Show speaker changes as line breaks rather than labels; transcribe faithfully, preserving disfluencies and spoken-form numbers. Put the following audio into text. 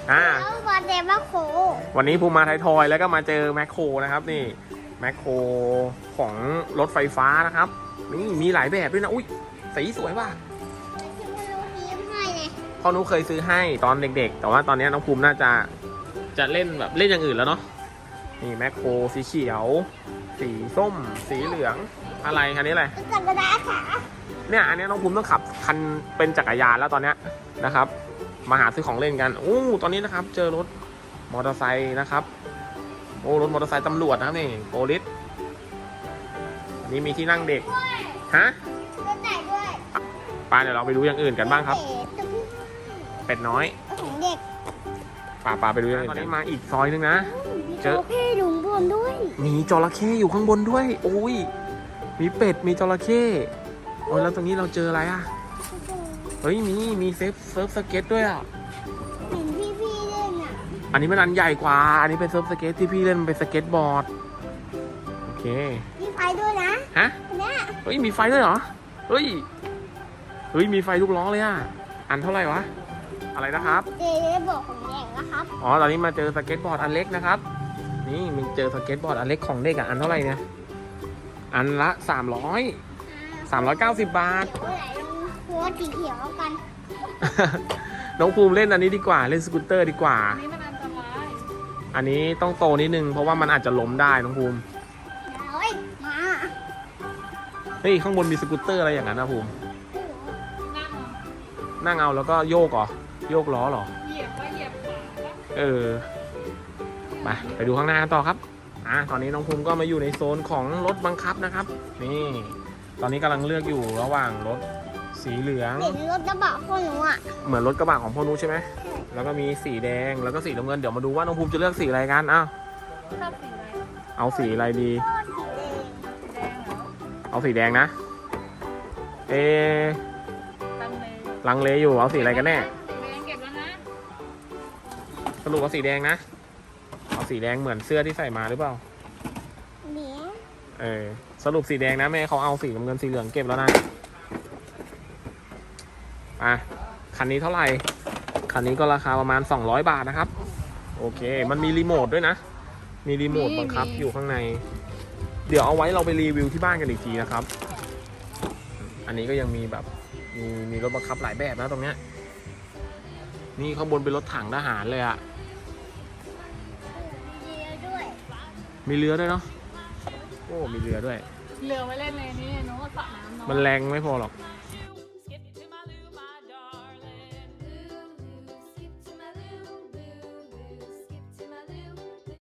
อ่า
แล้วมาเจอแมคโคร
วันนี้ภูมิมาไทยทอยแล้วก็มาเจอแมคโครนะครับนี่แมคโครของรถไฟฟ้านะครับนี่มีหลายแบบด้วยนะอุ้ยสีสวยว่ะ
ที่มันรู้ยิ้มให้ไง
พ่อนุเคยซื้อให้ตอนเด็กๆแต่ว่าตอนนี้น้องภูมิน่าจะจะเล่นแบบเล่นอย่างอื่นแล้วเนาะนี่แมคโครสีเขียว สีส้ม สีเหลืองอะไรคันนี้อะไร
จักรยานขา
เนี่ยอันนี้น้องภูมิต้องขับคันเป็นจักรยานแล้วตอนเนี้ยนะครับมาหาซื้อของเล่นกันโอ้ตอนนี้นะครับเจอรถมอเตอร์ไซค์นะครับโอ้รถมอเตอร์ไซค์ตำรวจนะครับนี่โปลิสอันนี้มีที่นั่งเด็กฮะ
รถไหนด้วย
ป้าเดี๋ยวเราไปดูอย่างอื่นกันบ้างครับเป็ดน้อย
ของเด็ก
ป้าป้าไปดูอย่างอื่นตอนนี้มาอีกซอยนึงนะ
เจอพี่ลุงบนด้วย
มีจระเข้อยู่ข้างบนด้วยโอ้ยมีเป็ดมีจระเข้โอ้ยแล้วตรงนี้เราเจออะไรอ่ะเฮ้ยมีมีเซิร์ฟเซิร์ฟสเก็ตด้วยอ่ะ
เห็นพี่พี่เล่นอ่ะ
อันนี้มันอันใหญ่กว่า อันนี้เป็นเซิร์ฟสเก็ตที่พี่เล่นมันเป็นสเก็ตบอร์ด โอเค
มีไฟด้วยนะ
ฮะ
เนี่ย
เฮ้ย มีไฟด้วยเหรอ เฮ้ย เฮ้ย มีไฟทุกล้อเลยอ่ะ อันเท่าไหร่วะ อะไรนะครับ
เจบอกของเด็กนะครับ
อ๋อ ตอนนี้มาเจอสเก็ตบอร์ดอันเล็กนะครับ นี่มันเจอสเก็ตบอร์ดอันเล็กของเด็กอ่ะ อันเท่าไหร่เนี่ย อันละสามร้อย สามร้อยเก้าสิบบาท
เดี๋ยวไหนลองหัวสีเขียวกัน
น้องภูมิเล่นอันนี้ดีกว่า เล่นสกูตเตอร์ดีกว่า
อันนี้มันอันตราย
อันนี้ต้องโตนิดนึง เพราะว่ามันอาจจะล้มได้น้องภูมิ
เฮ้ยมา
เฮ้ย ข้างบนมีสกูตเตอร์อะไรอย่างนั้นนะภูมิ
นั่ง
นั่งเอาแล้วก็โยกเหรอ โยกล้อเหรอ
เหยียบว่าเหยียบขาแล้ว
เออ ไปไปดูข้างหน้ากันต่อครับ อ่ะตอนนี้น้องภูมิก็มาอยู่ในโซนของรถบังคับนะครับ นี่ ตอนนี้กำลังเลือกอยู่ระหว่างรถสีเหลือง
เห็นรถกระบะพ่อหนูอ่ะ
เหมือนรถกระบะของพ่อนุใช่ไหม แล้วก็มีสีแดง แล้วก็สีน้ำเงิน เดี๋ยวมาดูว่าน้องภูมิจะเลือกสีอะไรกันอ้าว
ชอบสีอะไร
เอาสีอะไรดี
สีแดง
แดงเหรอ
เอาสีแดงนะ เอะ
ตังเลย
ลังเลอยู่ เอาสีอะไรกันแน่
สีแดงเก็บแล้วนะ
สรุปเอาสีแดงนะ เอาสีแดงเหมือนเสื้อที่ใส่มาหรือเปล่า
เหนียว
เออ สรุปสีแดงนะแม่เขาเอาสีน้ำเงินสีเหลืองเก็บแล้วนะอ่ะคันนี้เท่าไหร่ คันนี้ก็ราคาประมาณสองร้อยบาทนะครับ โอเค มันมีรีโมทด้วยนะ มีรีโมทบังคับอยู่ข้างใน เดี๋ยวเอาไว้เราไปรีวิวที่บ้านกันอีกทีนะครับ อันนี้ก็ยังมีแบบมีมีรถบังคับหลายแบบนะตรงเนี้ย นี่ข้างบนเป็นรถถังทหารเลยอะ
มีเรือด้วย
มีเรือด้วยเนาะ โอ้ มีเรือด้วย
เหลือไว้เล่นเลยนี่โน้ตสระน้ำเนาะ
มันแรงไม่พอหรอก
ม